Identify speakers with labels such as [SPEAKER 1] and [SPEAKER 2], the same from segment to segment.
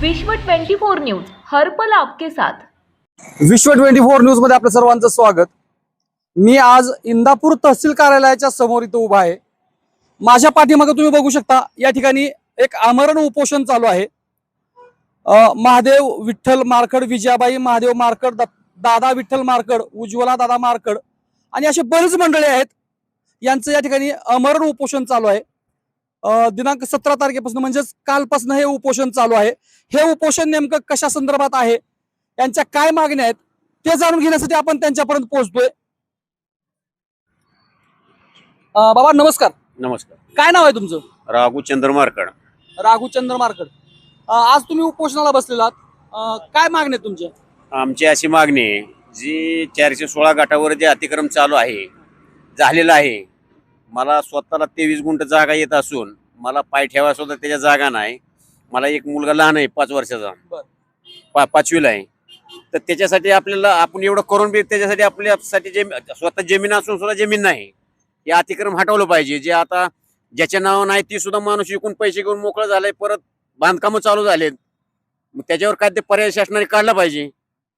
[SPEAKER 1] विश्व 24 न्यूज हर पल आपके साथ।
[SPEAKER 2] विश्व 24 न्यूज मध्ये आपल्या सर्वांचं स्वागत। मी आज इंदापूर तहसील कार्यालयाच्या समोर इथं उभा आहे। माझ्या पाठीमागे तुम्ही बघू शकता, या ठिकाणी एक आमरण उपोषण चालू आहे। महादेव विठ्ठल मारकड, विजयाबाई महादेव मारकड, दादा विठ्ठल मारकड, उज्ज्वला दादा मारकड आणि असे बरेच मंडळी आहेत, यांचं या ठिकाणी आमरण उपोषण चालू आहे। दिनांक 17 तारखेपासून म्हणजेच कालपासून हे उपोषण चालू आहे। हे उपोषण नेमकं कशा संदर्भात आहे, यांच्या काय मागण्या आहेत ते जाणून घेण्यासाठी आपण त्यांच्यापर्यंत पोहोचतोय। बाबा नमस्कार।
[SPEAKER 3] नमस्कार।
[SPEAKER 2] काय नाव आहे तुमचं?
[SPEAKER 3] राघुचंद्र मारकड।
[SPEAKER 2] राघुचंद्र मारकड। आज तुम्ही उपोषणाला बसलेलात, काय मागणी आहे तुमची?
[SPEAKER 3] आमची अशी मागणी आहे, जी 416 गटावर जे अतिक्रम चालू आहे, झालेलं आहे, मला स्वतःला 23 गुंठ जागा येत असून मला पाय ठेवा सुद्धा त्याच्या जागा नाही। मला एक मुलगा लहान आहे, 5 वर्षाचा, 5वीला आहे। तर त्याच्यासाठी आपल्याला आपण एवढं करून बी त्याच्यासाठी आपल्यासाठी स्वतः जमीन असून सुद्धा जमीन नाही, हे अतिक्रम हटवलं पाहिजे। जे आता ज्याच्या नाव नाही ती सुद्धा माणूस विकून पैसे घेऊन मोकळं झालंय, परत बांधकामं चालू झालेत, मग त्याच्यावर काय ते पर्याय शासनाने काढला पाहिजे।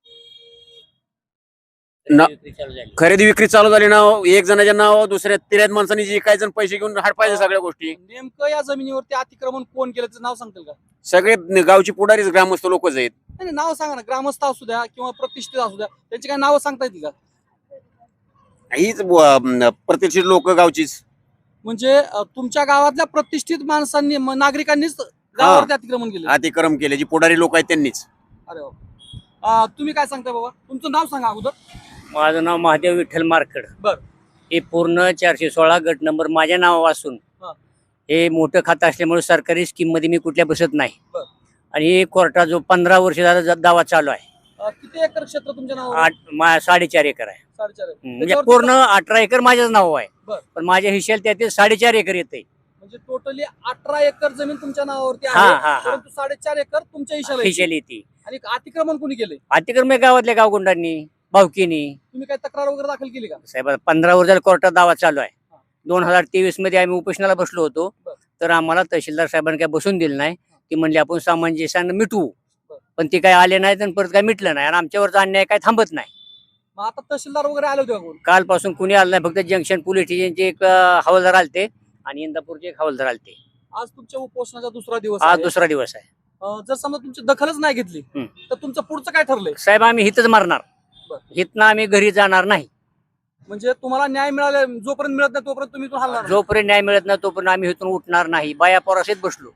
[SPEAKER 3] खरेदी विक्री चालू झाली, नाव एक जणाच्या नाव दुसऱ्या 13 माणसांनी जे काही जण पैसे घेऊन हडपायचे सगळ्या गोष्टी।
[SPEAKER 2] नेमकं या जमिनीवरती अतिक्रमण कोण केलं त्याचं नाव सांगतील का?
[SPEAKER 3] सगळे गावची पुढारीच, ग्रामस्थ लोकच आहेत।
[SPEAKER 2] नाही, नाव सांगा ना, ग्रामस्थ असू द्या किंवा प्रतिष्ठित असू द्या, त्यांची काय नावं सांगता येतील का?
[SPEAKER 3] हीच प्रतिष्ठित लोक गावचीच।
[SPEAKER 2] म्हणजे तुमच्या गावातल्या प्रतिष्ठित माणसांनी नागरिकांनीच गावावरती अतिक्रमण केलं?
[SPEAKER 3] अतिक्रम केले, जी पुढारी लोक आहेत त्यांनीच।
[SPEAKER 2] अरे तुम्ही काय सांगताय बाबा? तुमचं नाव सांगा अगोदर।
[SPEAKER 4] माझं नाव महादेव विठ्ठल मारकड।
[SPEAKER 2] बर।
[SPEAKER 4] हे पूर्ण 416 गट नंबर माझ्या नावावर असून हे मोठं खातं असल्यामुळे सरकारी स्कीम मध्ये मी कुठल्या बसत नाही।
[SPEAKER 2] बर।
[SPEAKER 4] आणि हे कोर्टा जो 15 वर्ष झाला दावा चालू आहे।
[SPEAKER 2] किती एकर क्षेत्र तुमच्या नावावर?
[SPEAKER 4] 4.5 एकर आहे।
[SPEAKER 2] 4.5 एकर
[SPEAKER 4] म्हणजे पूर्ण 18 एकर माझ्याच नाव आहे।
[SPEAKER 2] बर।
[SPEAKER 4] पण माझ्या हिश्श्याला त्यातील 4.5 एकर येते।
[SPEAKER 2] म्हणजे टोटली 18 एकर जमीन तुमच्या नावावरती
[SPEAKER 4] हा,
[SPEAKER 2] आहे,
[SPEAKER 4] हा, हा।
[SPEAKER 2] परंतु 4.5 एकर तुमच्या हिश्श्याला
[SPEAKER 4] हिश्श्याला
[SPEAKER 2] येते.
[SPEAKER 4] येते।
[SPEAKER 2] आणि अतिक्रमण कोणी केले?
[SPEAKER 4] अतिक्रम हे गावातल्या गावगुंडांनी, भावकीनी।
[SPEAKER 2] तुम्ही काय तक्रार वगैरे दाखल केली का?
[SPEAKER 4] साहेब 15 वर्ष झालं कोर्टात दावा चालू आहे। 2023 मध्ये आम्ही उपोषणाला बसलो होतो, तर आम्हाला तहसीलदार साहेबांनी काय बसून दिलं नाही। ती म्हणली आपण सामंजस्याने मिटवू, पण ते काय आले नाहीत आणि परत काय मिटलं नाही, आणि आमच्यावरचा अन्याय काय थांबत नाही।
[SPEAKER 2] मग आता तहसीलदार वगैरे आले होते का कोण?
[SPEAKER 4] कालपासून कुणी आलं नाही, फक्त जंक्शन पोलीस स्टेशनचे एक हवालदार आलते आणि इंदापूरचे एक हवालदार आलते।
[SPEAKER 2] आज तुमच्या उपोषणाचा दुसरा दिवस
[SPEAKER 4] आज
[SPEAKER 2] आहे।
[SPEAKER 4] दुसरा दिवस आहे।
[SPEAKER 2] जर समजा तुमची दखलच नाही घेतली तर तुमचं पुढचं काय ठरलंय?
[SPEAKER 4] साहेब आम्ही हितच मारणार, हितनं आम्ही घरी जाणार नाही।
[SPEAKER 2] म्हणजे तुम्हाला न्याय मिळाला, जोपर्यंत मिळत नाही तोपर्यंत तुम्ही इथून हलणार नाही?
[SPEAKER 4] जोपर्यंत न्याय मिळत नाही तोपर्यंत आम्ही इथून उठणार नाही। बाया पोराशीत बसलो।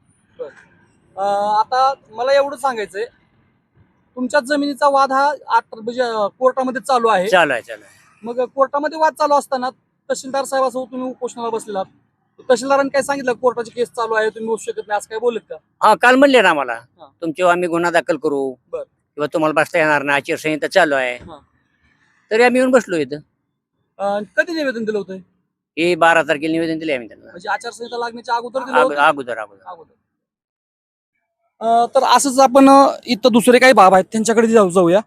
[SPEAKER 2] आता मला एवढं सांगायचंय, तुमच्या जमिनीचा वाद हा म्हणजे कोर्टामध्ये चालू आहे।
[SPEAKER 4] चालू आहे।
[SPEAKER 2] मग कोर्टामध्ये वाद चालू असताना तहसीलदार साहेबासोबत तुम्ही उपोषणाला बसलेलात, तहसीलदारांनी काय सांगितलं? कोर्टाची केस चालू आहे, तुम्ही बसू शकत नाही, असं काय बोलत का?
[SPEAKER 4] हा, काल म्हणले ना आम्हाला तुमच्यावर आम्ही गुन्हा दाखल करू किंवा तुम्हाला बसता येणार नाही, आचारसंहिता चालू आहे। तरी आम्ही येऊन बसलो इथं।
[SPEAKER 2] कधी निवेदन दिलं होतं?
[SPEAKER 4] हे 12 तारखेला निवेदन दिले आम्ही त्यांना,
[SPEAKER 2] म्हणजे आचारसंहिता लागण्याच्या अगोदर दिलं होतं?
[SPEAKER 4] अगोदर।
[SPEAKER 2] तर असंच आपण इथं दुसरे काही बाब आहेत त्यांच्याकडे जाऊया।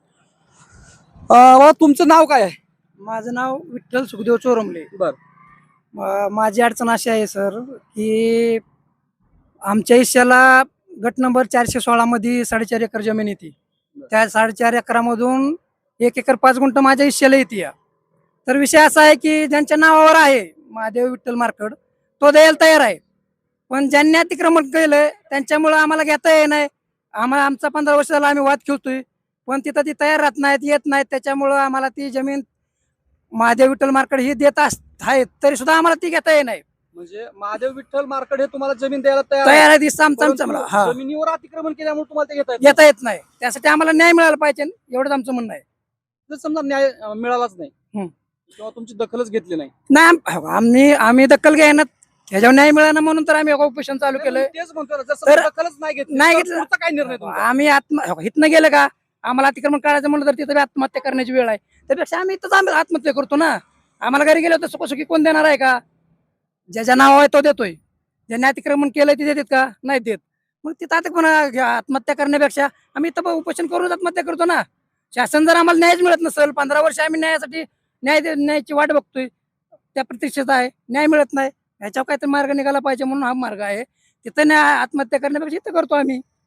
[SPEAKER 2] तुमचं नाव काय आहे?
[SPEAKER 5] माझं नाव विठ्ठल सुखदेव चोरमले।
[SPEAKER 2] बर।
[SPEAKER 5] माझी अडचण अशी आहे सर, की आमच्या हिश्श्याला गट नंबर 416 मध्ये 4.5 एकर जमीन येते। त्या 4.5 एकरामधून 1 एकर 5 गुंठ माझ्या हिश्श्याला येते। तर विषय असा आहे की ज्यांच्या नावावर आहे महादेव विठ्ठल मारकड, तो द्यायला तयार आहे, पण ज्यांनी अतिक्रमण केलंय त्यांच्यामुळे आम्हाला घेता येत नाही। आमचा 15 वर्ष झाला आम्ही वाद खेळतोय, पण तिथं ती तयार राहत नाहीत, येत नाहीत। त्याच्यामुळं आम्हाला ती जमीन महादेव विठ्ठल मारकड ही देत आहेत, तरी सुद्धा आम्हाला ती घेता येत नाही।
[SPEAKER 2] म्हणजे महादेव विठ्ठल मारकड हे तुम्हाला जमीन द्यायला
[SPEAKER 5] तयार आहे,
[SPEAKER 2] परंतु जमिनीवर अतिक्रमण केल्यामुळे तुम्हाला ते
[SPEAKER 5] घेता येत नाही। त्यासाठी आम्हाला न्याय मिळाला पाहिजे, एवढंच आमचं म्हणणं आहे।
[SPEAKER 2] जर समजा न्याय मिळालाच नाही किंवा तुमची दखलच घेतली
[SPEAKER 5] नाही, आम्ही दखल घ्यायना, ह्याच्यावर न्याय मिळाला म्हणून तर आम्ही उपोषण चालू केलंय।
[SPEAKER 2] तेच म्हणतो, जर समजा दखलच नाही घेतली तर काय निर्णय तुमचा?
[SPEAKER 5] आम्ही इथनं गेलं का आम्हाला अतिक्रमण करायचं म्हणलं तर तिथं आत्महत्या करण्याची वेळ आहे, त्यापेक्षा आम्ही इथंच आत्महत्या करतो ना। आम्हाला घरी गेलो तर सुखसुखी कोण देणार आहे का? ज्याच्या नाव आहे तो देतोय, ज्यांनी अतिक्रमण केलंय ते देतात का? नाही देत। मग तिथं आत्महत्या करण्यापेक्षा आम्ही इथं उपोषण करून आत्महत्या करतो ना। शासन जर आम्हाला न्यायच मिळत नसेल, 15 वर्ष आम्ही न्यायासाठी न्यायाची वाट बघतोय, त्या प्रतीक्षेत आहे, न्याय मिळत नाही, ह्याच्यावर काहीतरी मार्ग निघाला पाहिजे म्हणून हा मार्ग आहे। तिथं आत्महत्या करण्यापेक्षा इथं करतो आम्ही।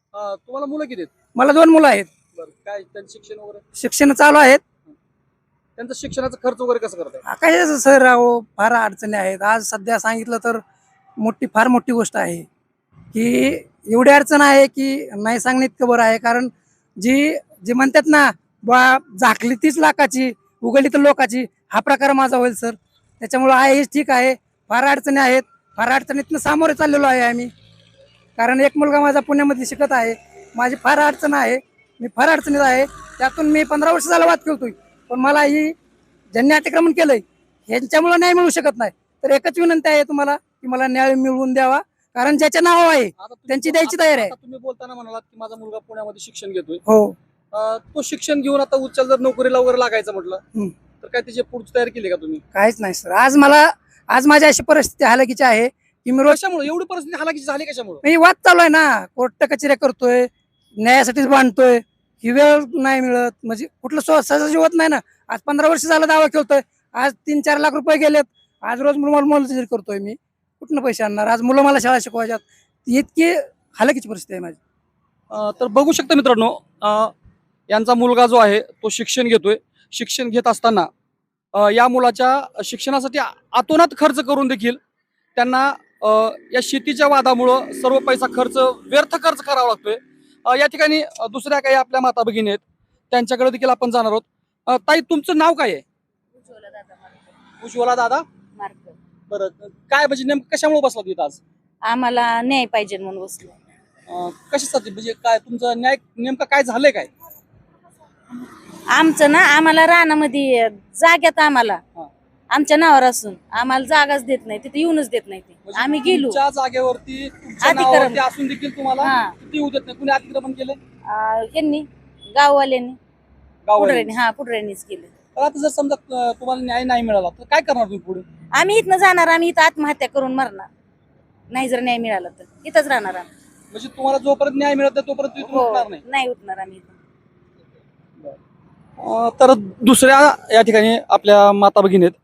[SPEAKER 2] तुम्हाला मुलं किती आहेत?
[SPEAKER 5] मला 2 मुलं आहेत.
[SPEAKER 2] बरं, काय त्यांचं शिक्षण वगैरे,
[SPEAKER 5] शिक्षण चालू आहेत.
[SPEAKER 2] त्यांचं शिक्षणाचा खर्च वगैरे कसं करताय?
[SPEAKER 5] काय सर अहो फार अडचणी आहेत. आज सध्या सांगितलं तर फार मोठी गोष्ट आहे की एवढी अडचण आहे की नाही सांगणे इतकं बरं आहे. कारण जी म्हणतात ना बा झाकली 30 लाखाची उघडली तर लोकाची, हा प्रकार माझा होईल सर. त्याच्यामुळं आहे हेच ठीक आहे. फार अडचणी आहेत. फार अडचणीतनं सामोरे चाललेलो आहे आम्ही. कारण एक मुलगा माझा पुण्यामध्ये शिकत आहे. माझी फार अडचण आहे. मी फार अडचणीत आहे. त्यातून मी 15 वर्ष झाला वाद करतोय. पण मला ही ज्यांनी अतिक्रमण केलंय ह्यांच्यामुळे न्याय मिळू शकत नाही. तर एकच विनंती आहे तुम्हाला की मला न्याय मिळवून द्यावा. कारण ज्याच्या नाव आहे
[SPEAKER 2] आता तुम्ही-
[SPEAKER 5] त्यांची द्यायची तयारी आहे.
[SPEAKER 2] आता तुम्ही बोलताना म्हणालात की माझा मुलगा पुण्यामध्ये शिक्षण घेतोय.
[SPEAKER 5] हो,
[SPEAKER 2] तो शिक्षण घेऊन आता उच्च जर नोकरीला वगैरे लागायचं म्हटलं
[SPEAKER 5] हम्म.
[SPEAKER 2] तर काय त्याची पुढची तयारी केली का तुम्ही?
[SPEAKER 5] काहीच नाही सर. आज माझी अशी परिस्थिती हालाकीची आहे की मी रोज
[SPEAKER 2] कशामुळे एवढी परिस्थिती हालाकीची झाली कशामुळे?
[SPEAKER 5] मी वाद चालू आहे ना. कोर्ट कचेऱ्या करतोय, न्यायासाठीच बांधतोय. ही वेळ नाही मिळत. म्हणजे कुठलं सहज होत नाही ना. आज 15 वर्ष झालं दावा खेळतोय. आज 3-4 लाख रुपये गेलेत. आज रोज मोलमजुरी करतोय मी. कुठनं पैसे आणणार? आज मुलं मला शाळा शिकवायच्यात. इतकी हालाकीची परिस्थिती आहे माझी.
[SPEAKER 2] तर बघू शकता मित्रांनो, यांचा मुलगा जो आहे तो शिक्षण घेतोय. शिक्षण घेत असताना या मुलाच्या शिक्षणासाठी अतोनात खर्च करून देखील त्यांना या शेतीच्या वादामुळं सर्व पैसा व्यर्थ खर्च करावा लागतोय. या ठिकाणी दुसऱ्या काही आपल्या माता भगिनी आहेत, त्यांच्याकडे देखील आपण जाणार आहोत. ताई, तुमचं नाव काय आहे? उज्ज्वला दादा. बरं, काय म्हणजे नेमकं कशामुळे बसला तिथं आज?
[SPEAKER 6] आम्हाला न्याय पाहिजे म्हणून बसलो.
[SPEAKER 2] कशासाठी म्हणजे काय तुमचं न्याय नेमकं काय झालंय काय?
[SPEAKER 6] आमचं ना आम्हाला रानामध्ये जाग्यात आम्हाला
[SPEAKER 2] हा.
[SPEAKER 6] आमच्या नावावर असून आम्हाला जागाच देत नाही, तिथे येऊनच देत नाही ते.
[SPEAKER 2] म्हणजे
[SPEAKER 6] आम्ही गेलो
[SPEAKER 2] तुमच्या जागेवरती तुमच्या
[SPEAKER 6] अतिक्रमण.
[SPEAKER 2] नावावरती असून देखील तुम्हाला
[SPEAKER 6] हा.
[SPEAKER 2] किती येऊ देत नाही? कुणी अतिक्रमण केले?
[SPEAKER 6] यांनी गाववाल्यांनी
[SPEAKER 2] गाववाल्यांनी.
[SPEAKER 6] पुढऱ्यांनी पुढऱ्यांनीच केलं.
[SPEAKER 2] तर आता जर समजा तुम्हाला न्याय नाही मिळाला तर काय करणार तुम्ही पुढे?
[SPEAKER 6] आम्ही इथनं जाणार, आम्ही इथं आत्महत्या करून मरणार. नाही जर न्याय मिळाला तर इथंच राहणार आम्ही.
[SPEAKER 2] म्हणजे तुम्हाला जोपर्यंत न्याय मिळत नाही तोपर्यंत तुम्ही इथून उठणार नाही.
[SPEAKER 6] नाही उठणार आम्ही इथून.
[SPEAKER 2] तर दुसऱ्या या ठिकाणी आपल्या माता भगिनी आहेत,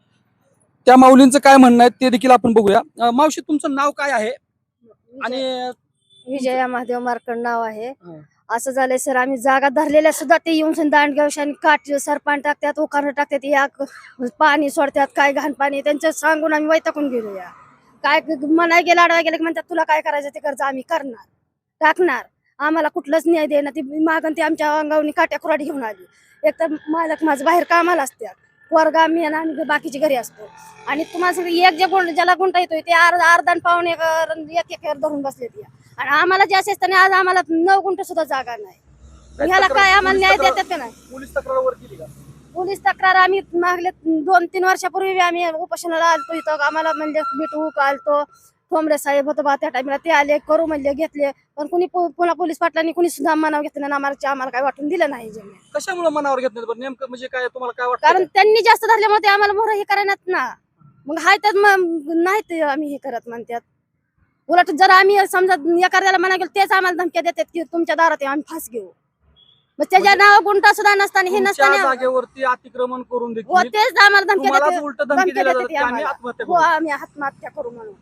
[SPEAKER 2] त्या माऊलींचं काय म्हणणं आहे ते देखील आपण बघूया. मावशी, तुमचं नाव काय आहे? आणि
[SPEAKER 7] विजया महादेव मार्कड नाव आहे.
[SPEAKER 2] हा.
[SPEAKER 7] असं झालंय सर, आम्ही जागा धरलेल्या सुद्धा ते येऊन दांडगावशाने काट सरपान टाकतात, उखाणं टाकतात, या पाणी सोडतात, काय घाण पाणी त्यांचं सांगून आम्ही वैतागून गेलो. या काय मनाय गेला अडवाय गेलं की म्हणतात तुला काय करायचं ते कर्ज आम्ही करणार टाकणार. आम्हाला कुठलंच न्याय देणार. ती मागण ती आमच्या अंगावनी काट्या कुराडी घेऊन आली. एक तर मालक माझं बाहेर कामाला असतात, वर्गा मी आणि बाकीची घरी असतो. आणि तुम्हाला सगळं एक ज्याला गुंठा येतोय ते अर्धा पाऊन एक एकर धरून बसले ती. आणि आम्हाला जे असे असताना आज आम्हाला 9 गुंठ सुद्धा जागा नाही. ह्याला काय आम्हाला न्याय देतात का नाही?
[SPEAKER 2] पोलीस तक्रार केली का?
[SPEAKER 7] पोलीस तक्रार आम्ही मागले 2-3 वर्षापूर्वी आम्ही उपोषणाला आलतो इथं. आम्हाला म्हणजे मिठू आलतो, ठोंबरे साहेब होतं बा त्या टाइमला, ते आले करू म्हणले, घेतले. पण कुणी पुन्हा पोलीस पाटलांनी कुणी सुद्धा मनावर घेतलं नाही. आम्हाला काय वाटून दिलं नाही जमीन.
[SPEAKER 2] कशामुळे मनावर घेत नाही? नेमकं म्हणजे काय तुम्हाला काय वाटतं?
[SPEAKER 7] कारण त्यांनी जास्त धरल्यामुळे ते आम्हाला मोहर हे करण्यात ना. मग हाय तर नाही ते आम्ही हे करत म्हणतात. उलट जर आम्ही समजा एखाद्याला म्हणा गेलो तेच आम्हाला धमक्या देतात की तुमच्या दारात आम्ही फास घेऊ. मग त्याच्या नाव गुंठा सुद्धा नसताना हे
[SPEAKER 2] तुमच्या
[SPEAKER 7] नसताना
[SPEAKER 2] जागेवरती अतिक्रमण करून
[SPEAKER 7] हो
[SPEAKER 2] देखील
[SPEAKER 7] तेच आम्हाला धमक्या
[SPEAKER 2] तुम्हाला
[SPEAKER 7] देतात.
[SPEAKER 2] उलट धमकी
[SPEAKER 7] धमक्या
[SPEAKER 2] दिल्या
[SPEAKER 7] देतात
[SPEAKER 2] जातात
[SPEAKER 7] ते
[SPEAKER 2] की आम्ही
[SPEAKER 7] आम्हाला.
[SPEAKER 2] आत्महत्या
[SPEAKER 7] हो
[SPEAKER 2] करू.
[SPEAKER 7] आम्ही आत्महत्या करू म्हणून.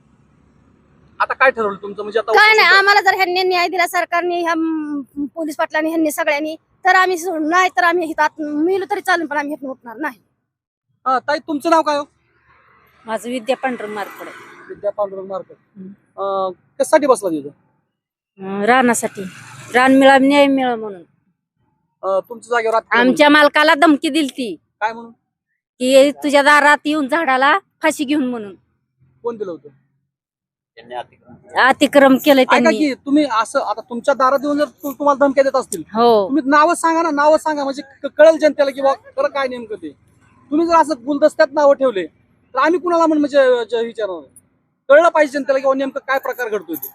[SPEAKER 2] आता काय ठरवलं तुमचं? म्हणजे आता
[SPEAKER 7] काय नाही,
[SPEAKER 2] उपोषण
[SPEAKER 7] आम्हाला जर ह्यांनी न्याय दिला सरकारने, ह्या पोलीस पाटलांनी, ह्यांनी सगळ्यांनी, तर आम्ही नाही तर आम्ही इथं मिळू तरी चालेल, पण आम्ही इथून उठणार नाही.
[SPEAKER 2] ताई, तुमचं नाव काय हो?
[SPEAKER 6] माझं विद्या पांढरं मार्कड
[SPEAKER 2] विद्या पांडुरंग मार्केट. कशासाठी बसला तिथं?
[SPEAKER 6] रानासाठी. रान मिळा न्याय मिळा म्हणून.
[SPEAKER 2] तुमच्या जागेवर अतिक्रमण.
[SPEAKER 6] आमच्या मालकाला धमकी दिलती
[SPEAKER 2] काय म्हणून?
[SPEAKER 6] की तुझ्या दारात येऊन झाडाला फाशी घेऊन म्हणून.
[SPEAKER 2] कोण दिलं होतं?
[SPEAKER 3] त्यांनी अतिक्रमण
[SPEAKER 6] अतिक्रम केलंय
[SPEAKER 2] ऐका
[SPEAKER 6] त्यांनी.
[SPEAKER 2] की तुम्ही असं आता तुमच्या दारात येऊन जर तुम्हाला धमक्या देत असतील,
[SPEAKER 6] हो.
[SPEAKER 2] तुम्ही नावच सांगा ना, नावच सांगा म्हणजे कळेल जनतेला की खरं काय नेमकं ते. तुम्ही जर असं गुलदस्त्यात नावं ठेवले तर आम्ही कुणाला म्हणजे विचारणार? कळलं पाहिजे जनतेला की नेमकं काय प्रकार घडतोय ते.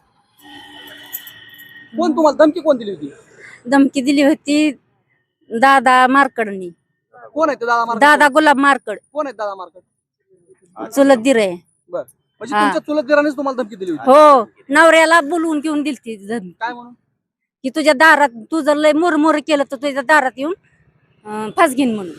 [SPEAKER 2] कोण तुम्हाला धमकी कोण दिली होती?
[SPEAKER 6] धमकी दिली होती दादा मार्कडनी.
[SPEAKER 2] कोण आहे ते दादा मार्केट?
[SPEAKER 6] दादा गुलाब मार्कड,
[SPEAKER 2] कोण आहेत दादा मार्केट?
[SPEAKER 6] चुलत दिरे.
[SPEAKER 2] बर, म्हणजे
[SPEAKER 6] हा.
[SPEAKER 2] तुमच्या चुलत दिरानेच तुम्हाला धमकी दिली होती?
[SPEAKER 6] हो, नवऱ्याला बोलवून घेऊन दिलती धमकी
[SPEAKER 2] काय म्हणून?
[SPEAKER 6] की तुझ्या दारात तू जर लय मुरमुर केलं तर तुझ्या दारात येऊन फास घेईन म्हणून.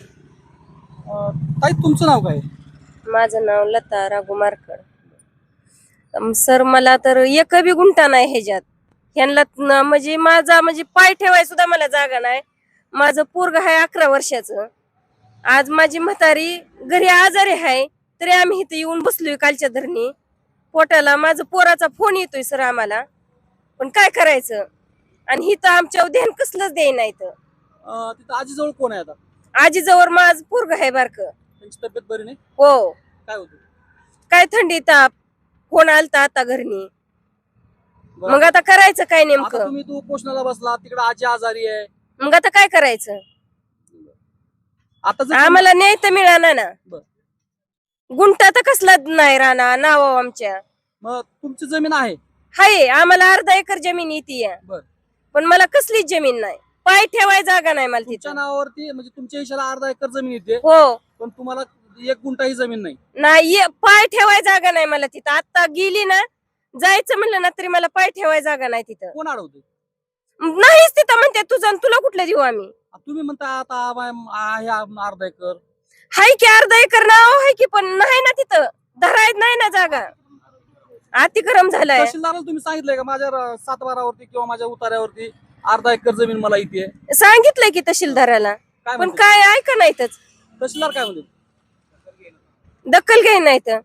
[SPEAKER 2] ताई, तुमचं नाव काय?
[SPEAKER 8] माझं नाव लता राघू मार्कड. सर, मला तर एक बी गुंठा नाही ह्याच्यात. ह्यांना म्हणजे माझा म्हणजे पाय ठेवाय सुद्धा मला जागा नाही. माझं पोरग आहे 11 वर्षाचं. आज माझी म्हातारी घरी आजारी आहे तरी आम्ही इथे येऊन बसलोय कालच्या धरणी पोटाला. माझं पोराचा फोन येतोय सर आम्हाला, पण काय करायचं. आणि इथं आमच्या ध्यान कसलंच देई नाही.
[SPEAKER 2] तिथं आजीजवळ कोण आहे आता?
[SPEAKER 8] आजीजवळ माझं पोरग आहे बारक.
[SPEAKER 2] त्यांची तब्येत बरी नाही?
[SPEAKER 8] हो,
[SPEAKER 2] काय होतं?
[SPEAKER 8] काय थंडी ताप. फोन आलता आता घरनी.
[SPEAKER 2] बरं.
[SPEAKER 8] मग आता करायचं काय
[SPEAKER 2] आता
[SPEAKER 8] नेमकं.
[SPEAKER 2] तुम्ही तू उपोषणाला बसला, तिकडे आजी आजारी आहे.
[SPEAKER 8] मग आता काय करायचं.
[SPEAKER 2] आता जर
[SPEAKER 8] आम्हाला न्याय तर मिळाला ना.
[SPEAKER 2] बरं.
[SPEAKER 8] गुंटा तर कसला नाही राहणार नाव आमच्या.
[SPEAKER 2] मग तुमची जमीन आहे?
[SPEAKER 8] हाय, आम्हाला अर्धा एकर जमीन येते.
[SPEAKER 2] बरं.
[SPEAKER 8] पण मला कसलीच जमीन नाही. पाय ठेवाय जागा नाही मला
[SPEAKER 2] तुमच्या
[SPEAKER 8] तिथं.
[SPEAKER 2] नावावरती म्हणजे तुमच्या इशाला अर्धा एकर जमीन येते,
[SPEAKER 8] हो,
[SPEAKER 2] पण तुम्हाला 1 गुंठाही जमीन नाही.
[SPEAKER 8] नाही पाय ठेवाय जागा नाही मला तिथं. आता गेली ना, जायचं म्हणलं ना तरी मला पाय ठेवाय जागा नाही तिथं.
[SPEAKER 2] कोण अडवते?
[SPEAKER 8] नाहीच तिथं म्हणते तुझं आणि तुला कुठलं देऊ आम्ही.
[SPEAKER 2] तुम्ही म्हणता आता आहे अर्धा एकर.
[SPEAKER 8] हाय की अर्धा एकर नाव आहे की, पण नाही ना तिथं धरायत नाही ना जागा. अतिक्रम झालाय.
[SPEAKER 2] तहसीलदाराला तुम्ही सांगितलंय का माझ्या 7/12 किंवा माझ्या उतार्यावरती अर्धा एकर जमीन मला येते?
[SPEAKER 8] सांगितलंय की तहसीलदाराला,
[SPEAKER 2] काय
[SPEAKER 8] पण
[SPEAKER 2] म्हणते?
[SPEAKER 8] काय ऐका नाहीतच.
[SPEAKER 2] तहसीलदार काय म्हणते?
[SPEAKER 8] दखल घ्याय नाही तर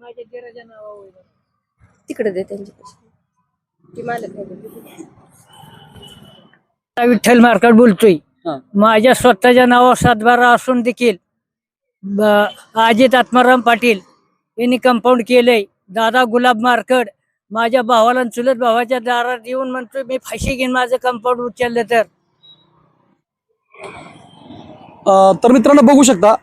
[SPEAKER 8] तिकडे दे त्यांची ती मालक आहे.
[SPEAKER 9] विठ्ठल मार्केट बोलतोय.
[SPEAKER 2] हा.
[SPEAKER 9] माझ्या स्वतःच्या नावावर 7/12 असून देखील अजित आत्माराम पाटील यांनी कंपाऊंड केलंय. दादा गुलाब मार्केट माझ्या भावाला आणि चुलत भावाच्या दारात येऊन म्हणतोय मी फाशी घेईन माझं कंपाऊंड उचललं तर.
[SPEAKER 2] तर मित्रांनो बघू शकता,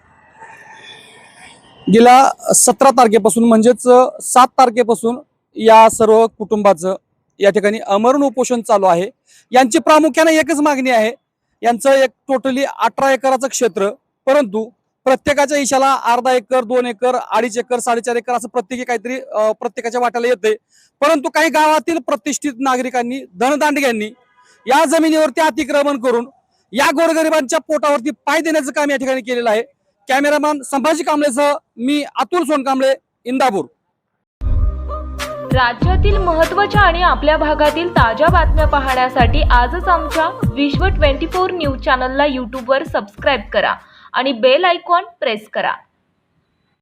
[SPEAKER 2] गेल्या 17 तारखेपासून म्हणजेच 7 तारखेपासून या सर्व कुटुंबाचं या ठिकाणी आमरण उपोषण चालू आहे. यांची प्रामुख्याने एकच मागणी आहे. यांचं एक टोटली 18 एकराचं क्षेत्र, परंतु प्रत्येकाच्या इशाला अर्धा एकर, 2 एकर, 2.5 एकर, 4.5 एकर असं प्रत्येकी काहीतरी प्रत्येकाच्या वाट्याला येते. परंतु काही गावातील प्रतिष्ठित नागरिकांनी, धनदांडग्यांनी या जमिनीवरती अतिक्रमण करून या गोरगरिबांच्या पोटावरती पाय देण्याचं काम या ठिकाणी केलेलं आहे. कॅमेरामॅन संभाजी कांबळेसह मी अतुल सोनकांबळे, इंदापूर.
[SPEAKER 1] राज्यातील महत्त्वाच्या आणि आपल्या भागातील ताज्या बातम्या पाहण्यासाठी आजच आमच्या विश्व 24 न्यूज चॅनलला यूट्यूबवर सबस्क्राईब करा आणि बेल आयकॉन प्रेस करा.